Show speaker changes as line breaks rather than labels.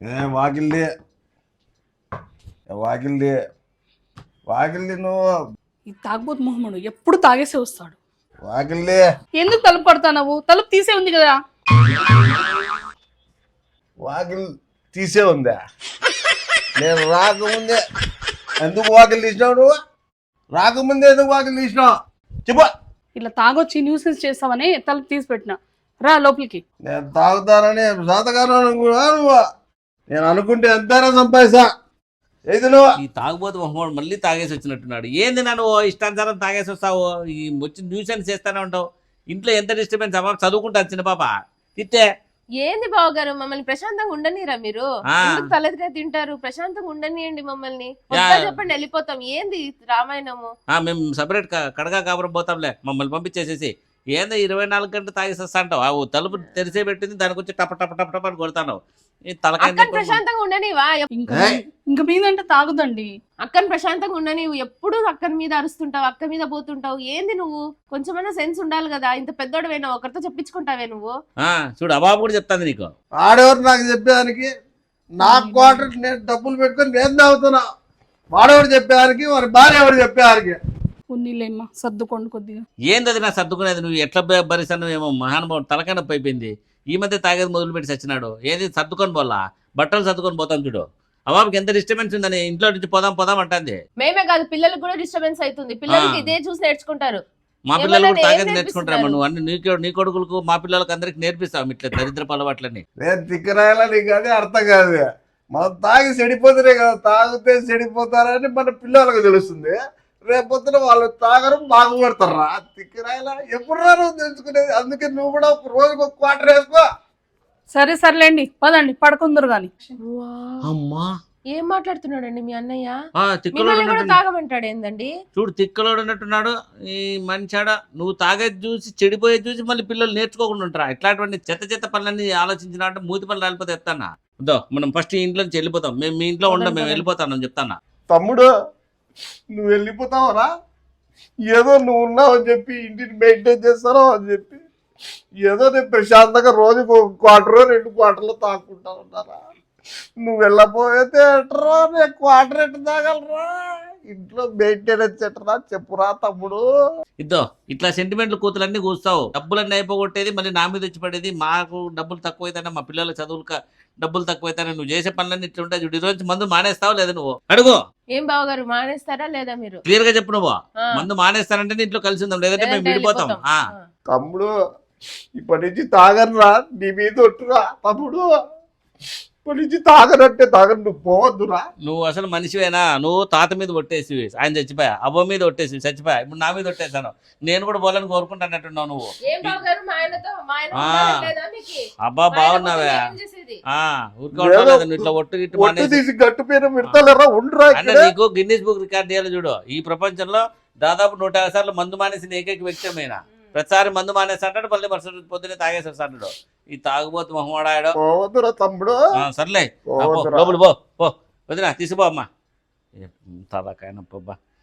వాకిల్ది వాకిల్ది వాకిల్ది నువ్వు
ఈ తాగుబోతు మొహమ్మడు ఎప్పుడు తాగేసే వస్తాడు.
వాకిల్ది
ఎందుకు తలుపు కొడతావు? తలుపు తీసే ఉంది కదా.
వాకిల్ తీసే ఉందా? నేను రాకముందే ఎందుకు వాకిల్ తీసినావు? నువ్వు రాకముందే ఎందుకు వాకిల్ తీసినావు చెప్పు.
ఇట్లా తాగొచ్చి న్యూసెన్స్ చేస్తావని తలుపు తీసి పెట్టిన. రా లోపలికి.
నేను తాగుతానని శాతకాలం అనుకున్నా నువ్వు. నేను అనుకుంటే ఎంతైనా సంపాదిస్తా. ఏది నువ్వు
ఈ తాగుబోతు మొహమ్మడు మళ్ళీ తాగేసి వచ్చినట్టున్నాడు. ఏంది నన్ను ఇష్టానుసారం తాగేసి వస్తావు? ఈ వచ్చి న్యూసెన్స్ చేస్తానే ఉంటావు. ఇంట్లో ఎంత డిస్టర్బెన్స్ అమ్మా, చదువుకుంటాను చిన్న పాప తిట్టే.
ఏంది బావగారు, మమ్మల్ని ప్రశాంతంగా ఉండనిరా? మీరు ఎందుకు తలెత్తుగా తింటారు? ప్రశాంతంగా ఉండనియండి మమ్మల్ని. చెప్పండి వెళ్ళిపోతాం. ఏంది రామాయణము?
మేము సపరేట్ కడగా కాపురం పోతాంలే, మమ్మల్ని పంపించేసేసి. ఏందో 24 గంటలు తాగేసి వస్తా అంటావు. తలుపు తెరిసే పెట్టింది, దానికి వచ్చి టప టప టప టప అని కొడతాను.
అక్కని ప్రశాంతంగా ఉండనివా?
ఇంకా మీదంటే తాగుదండి.
అక్కని ప్రశాంతంగా ఉండనివు. ఎప్పుడు అక్కని మీద అరుస్తుంటావు, అక్క మీద పోతుంటావు. ఏంది నువ్వు? కొంచెమైనా సెన్స్ ఉండాలి కదా. ఇంత పెద్దోడువేనా? ఒకరితో చెప్పించుకుంటావే నువ్వు?
చూడు అబాబు కూడా చెప్తాను నీకు.
ఆడెవరు నాకు చెప్పేదానికి? నా క్వార్టర్ నేను డబ్బులు పెట్టుకొని నేను తాగుతున్నా. వాడెవరు చెప్పేదానికి? వారి భార్య ఎవరు చెప్పేదానికి?
ఉన్నిలేమ్మా, సర్దుకోండి కొద్దిగా.
ఏంది అది నా సర్దుకునేది? నువ్వు ఎట్లా భరిస్తాను ఏమో. మహానుభావుడు తలకాయ నొప్పి అయిపోయింది. ఈ మధ్య తాగేది మొదలుపెట్టి చచ్చినాడు. ఏది సర్దుకొని పోలా, బట్టలు సర్దుకొని పోతాం చూడు. అబాబుకి ఎంత డిస్టర్బెన్స్ ఉందని ఇంట్లో నుంచి పోదాం అంటుంది.
మేమే కాదు, పిల్లలకు కూడా డిస్టర్బెన్స్ అవుతుంది. పిల్లలకి ఇదే చూసి నేర్చుకుంటారు.
మా పిల్లలు కూడా తాగేది నేర్చుకుంటారమ్మా. నువ్వు అన్ని నీ కొడుకులకు మా పిల్లలకు అందరికి నేర్పిస్తావు ఇట్లా దరిద్రపు అలవాట్లని.
నేను తిక్కరాయాలా? నీకు అదే అర్థం కాదు. మనం తాగి చెడిపోతున్నాయి కదా. తాగితే చెడిపోతారని మన పిల్లలకు తెలుస్తుంది. రేపొద్దున వాళ్ళు తాగరు, బాగుపడతారా? తిక్కరాయాలా? ఎప్పుడు నువ్వు తెలుసుకునేది? అందుకే నువ్వు కూడా రోజుకు ఒక క్వార్టర్ వేసుకో.
సరే సర్లేండి, పదండి పడుకుందరు గాని.
అమ్మా
ఏం మాట్లాడుతున్నాడండి మీ అన్నయ్య?
తిక్కలోడు
కూడా తాగమంటాడు ఏందండి?
చూడు తిక్కలోడు అన్నట్టున్నాడు ఈ మనిషాడ. నువ్వు తాగేది చూసి చెడిపోయేది చూసి మళ్ళీ పిల్లలు నేర్చుకోకుండా ఉంటారా? ఇట్లాంటి చెత్త పనులన్నీ ఆలోచించినా అంటే మూతి పనులు రాలిపోతే ఎత్తానా? వద్దో మనం ఫస్ట్ ఇంట్లో నుంచి వెళ్ళిపోతాం. మేము మీ ఇంట్లో ఉండం, మేము వెళ్ళిపోతాను అని చెప్తానా.
తమ్ముడు నువ్వు వెళ్ళిపోతావరా? ఏదో నువ్వు ఉన్నావు అని చెప్పి ఇంటిని మెయింటైన్ చేస్తారో అని చెప్పి ఏదో నేను ప్రశాంతంగా రోజుకు 1 క్వార్టర్ 2 క్వార్టర్లు తాగుకుంటా ఉన్నారా? నువ్వు వెళ్ళపోతే ఎట్రా? నేను క్వార్టర్ ఎట్టు తాగలరా? ఇంట్లో మెయింటెనెన్స్ ఎట్రా చెప్పురా తమ్ముడు.
ఇట్లా సెంటిమెంట్లు కూతులన్నీ కూస్తావు. డబ్బులన్నీ అయిపోగొట్టేది మళ్ళీ నా మీద వచ్చి పడేది. మాకు డబ్బులు తక్కువైతేనే, మా పిల్లల చదువులకు డబ్బులు తక్కువైతేనే నువ్వు చేసే పనులన్నీ ఇట్లా ఉంటాయి చూడు. ఈ రోజు మందు మానేస్తావు లేదా? నువ్వు అడుగు.
ఏం బావగారు, మానేస్తారా లేదా? మీరు
క్లియర్ గా చెప్పు. నువ్వు మందు మానేస్తానంటే ఇంట్లో కలిసి ఉందాం, లేదంటే మేము విడిపోతాం.
తమ్ముడు ఇప్పటి నుంచి తాగనరా, నీ మీద ఒట్టురా తమ్ముడు. ఇప్పటి నుంచి తాగనంటే తాగను, నువ్వు పోవద్దురా.
నువ్వు అసలు మనిషివేనా? నువ్వు తాత మీద ఒట్టేసి ఆయన చచ్చిపోయా, అవ్వ మీద ఒట్టేసి చచ్చిపోయా, ఇప్పుడు నా మీద ఒట్టేసాను. నేను కూడా పోలని కోరుకుంటానట్టున్నావు నువ్వు. అబ్బా బాగున్నావే. ఊరుకోలేదు ఇట్లా ఒట్టు గిట్టు అంటే నీకు గిన్నీస్ బుక్ రికార్డ్ చేయాలి చూడు. ఈ ప్రపంచంలో దాదాపు 150 సార్లు మందు మానేసిన ఏకైక వ్యక్తమైనా. ప్రతిసారి మందు మానేసి అంటాడు, మళ్ళీ మరుసటి పొద్దునే తాగేసి వస్తాడు. ఈ తాగుబోతు మొహమాడాడు.
తమ్ముడు
సర్లే లోపల పో వదినా తీసిపో అమ్మా. తలకాయ నొప్పబ్బా.